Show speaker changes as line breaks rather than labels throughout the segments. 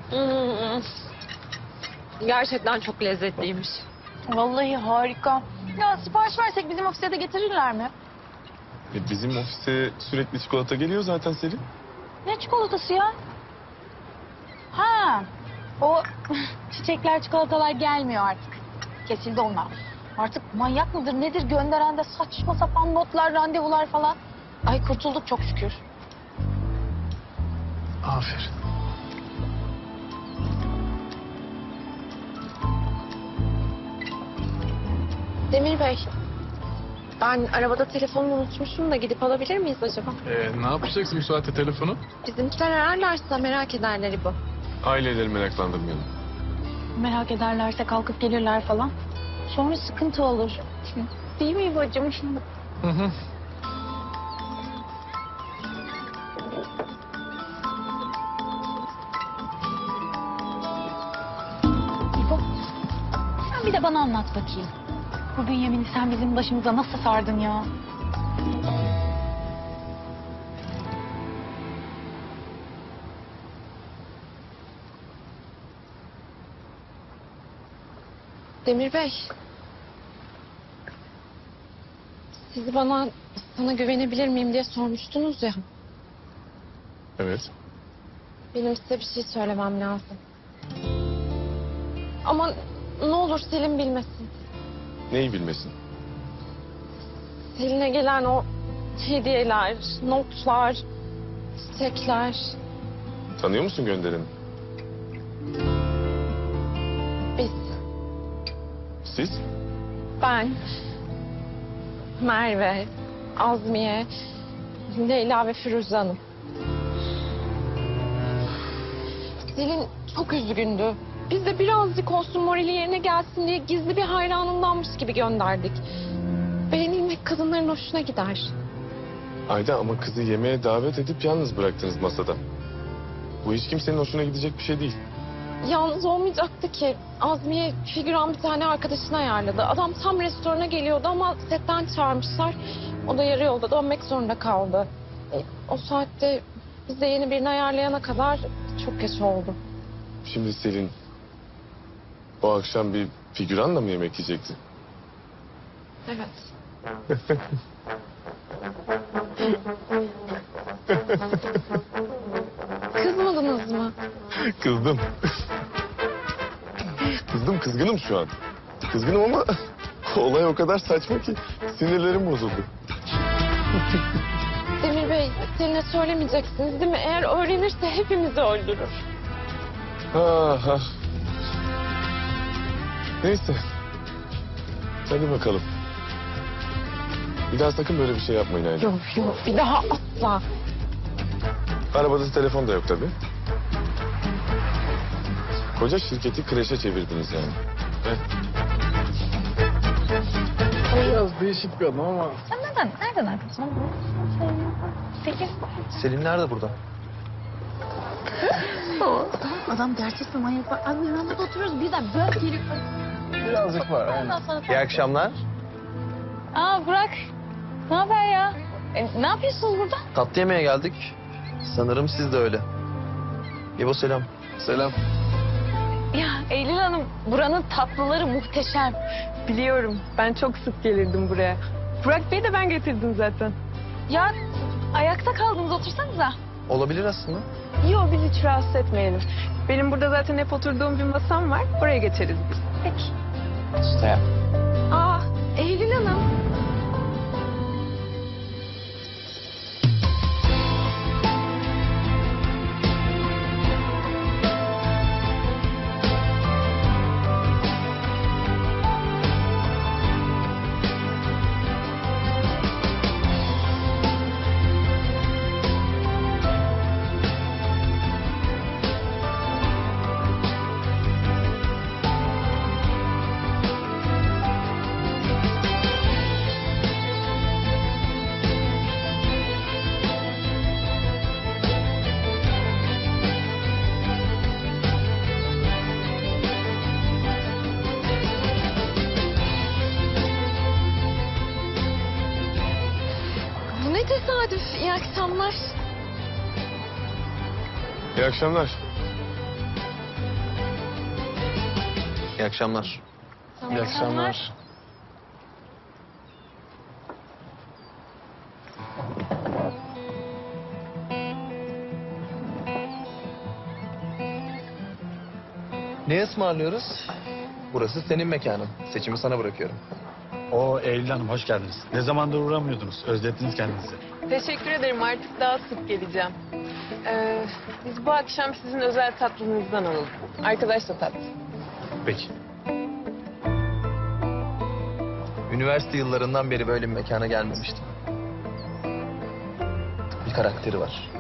Hmm. Gerçekten çok lezzetliymiş.
Vallahi harika. Ya sipariş versek bizim ofise de getirirler mi?
Bizim ofise sürekli çikolata geliyor zaten Selin.
Ne çikolatası ya? Ha, o çiçekler, çikolatalar gelmiyor artık. Kesildi onlar. Artık manyak mıdır nedir gönderen de saçma sapan notlar, randevular falan. Ay kurtulduk çok şükür.
Aferin.
Demir Bey, ben arabada telefonumu unutmuşum da gidip alabilir miyiz acaba?
Ne yapacaksın bu saatte telefonu?
Bizimkiler ararlarsa merak ederler bu.
Aileleri meraklandırmayalım.
Merak ederlerse kalkıp gelirler falan. Sonra sıkıntı olur. Değil mi bacım?
Hı hı.
İbo, sen bir de bana anlat bakayım. Bu Bünyamin'i sen bizim başımıza nasıl sardın ya?
Demir Bey, siz sana güvenebilir miyim diye sormuştunuz ya.
Evet.
Benim size bir şey söylemem lazım. Ama ne olur Selin bilmesin.
Neyi bilmesin?
Selin'e gelen o hediyeler, notlar, çiçekler.
Tanıyor musun göndereni?
Biz,
Siz?
ben, Merve, Azmiye, Leyla ve Firuze Hanım. Selin çok üzgündü. Biz de birazcık olsun morali yerine gelsin diye gizli bir hayranındanmış gibi gönderdik. Beğenilmek kadınların hoşuna gider.
Ayda ama kızı yemeğe davet edip yalnız bıraktınız masada. Bu hiç kimsenin hoşuna gidecek bir şey değil.
Yalnız olmayacaktı ki. Azmiye figüran bir tane arkadaşını ayarladı. Adam tam restorana geliyordu ama setten çağırmışlar. O da yarı yolda dönmek zorunda kaldı. O saatte biz de yeni birini ayarlayana kadar çok geç oldu.
Şimdi Selin o akşam bir figüranla mı yemek yiyecekti?
Evet. Kızmadınız mı?
Kızdım. Kızgınım şu an. Kızgınım ama olay o kadar saçma ki sinirlerim bozuldu.
Demir Bey, Selin'e söylemeyeceksiniz değil mi? Eğer öğrenirse hepimizi öldürür.
Ha ha. Neyse. Hadi bakalım. Bir daha sakın böyle bir şey yapmayın Ayda.
Yok yok, bir daha asla.
Arabada telefon da yok tabii. Koca şirketi kreşe çevirdiniz yani. Biraz değişik bir adam ama...
Sen nereden arkadaşın? Peki.
Selin nerede burada?
Adam gerçekten manyak var. Abi yanında oturuyoruz birden böyle gelip...
Birazcık var.
Ondan sonra...
İyi akşamlar.
Aa Burak. Ne haber ya? Ne yapıyorsunuz burada?
Tatlı yemeğe geldik. Sanırım siz de öyle. İbo selam.
Selam.
Ya Eylül Hanım, buranın tatlıları muhteşem. Biliyorum, ben çok sık gelirdim buraya. Burak Bey'i de ben getirdim zaten.
Ya ayakta kaldınız otursanıza.
Olabilir aslında.
Yok, biz hiç rahatsız etmeyelim. Benim burada zaten hep oturduğum bir masam var, oraya geçeriz biz.
Peki.
İşte.
Aa, Eylül Hanım. Bu ne tesadüf. İyi akşamlar.
İyi akşamlar.
İyi akşamlar.
İyi akşamlar.
Ne ısmarlıyoruz? Burası senin mekanın. Seçimi sana bırakıyorum.
Oo Eylül Hanım hoş geldiniz. Ne zamandır uğramıyordunuz. Özlettiniz kendinizi.
Teşekkür ederim. Artık daha sık geleceğim. Biz bu akşam sizin özel tatlınızdan alalım. Arkadaş da tatlı.
Peki.
Üniversite yıllarından beri böyle bir mekana gelmemiştim. Bir karakteri var.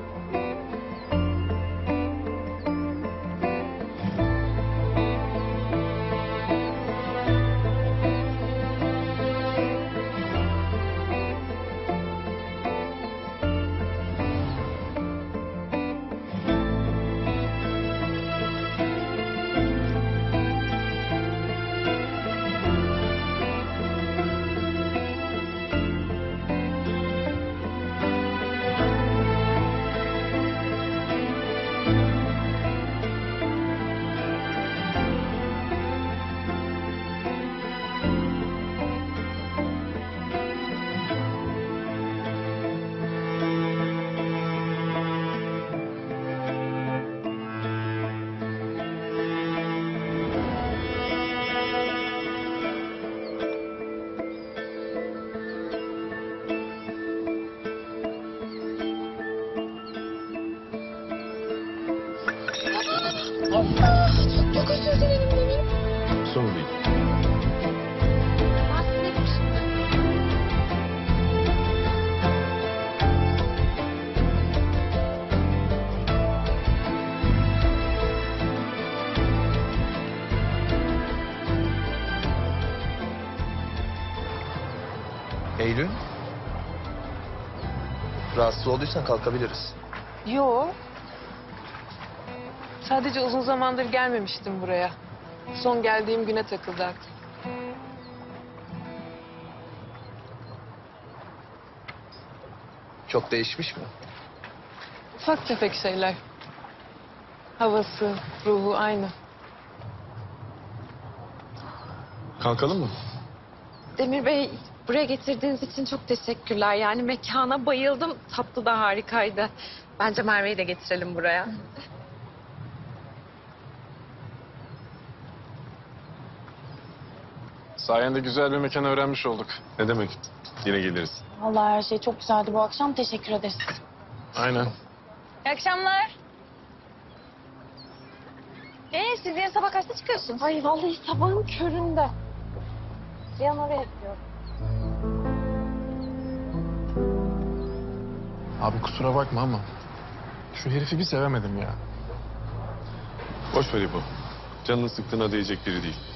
Çok özür dilerim Demir.
Sorun değil.
Ben size
Eylül. Rahatsız olduysan kalkabiliriz.
Yo. Sadece uzun zamandır gelmemiştim buraya. Son geldiğim güne takıldı aklım.
Çok değişmiş mi?
Ufak tefek şeyler. Havası, ruhu aynı.
Kalkalım mı?
Demir Bey, buraya getirdiğiniz için çok teşekkürler. Yani mekana bayıldım. Tatlı da harikaydı. Bence Merve'yi de getirelim buraya.
Sayende güzel bir mekan öğrenmiş olduk. Ne demek? Yine geliriz.
Vallahi her şey çok güzeldi bu akşam. Teşekkür ederiz.
Aynen.
İyi akşamlar. Siz yarın sabah kaçta çıkıyorsunuz?
Ay vallahi sabahın köründe. Cihan oraya gidiyor.
Abi kusura bakma ama şu herifi bir sevemedim ya. Boş ver İbo. Canını sıktığına değecek biri değil.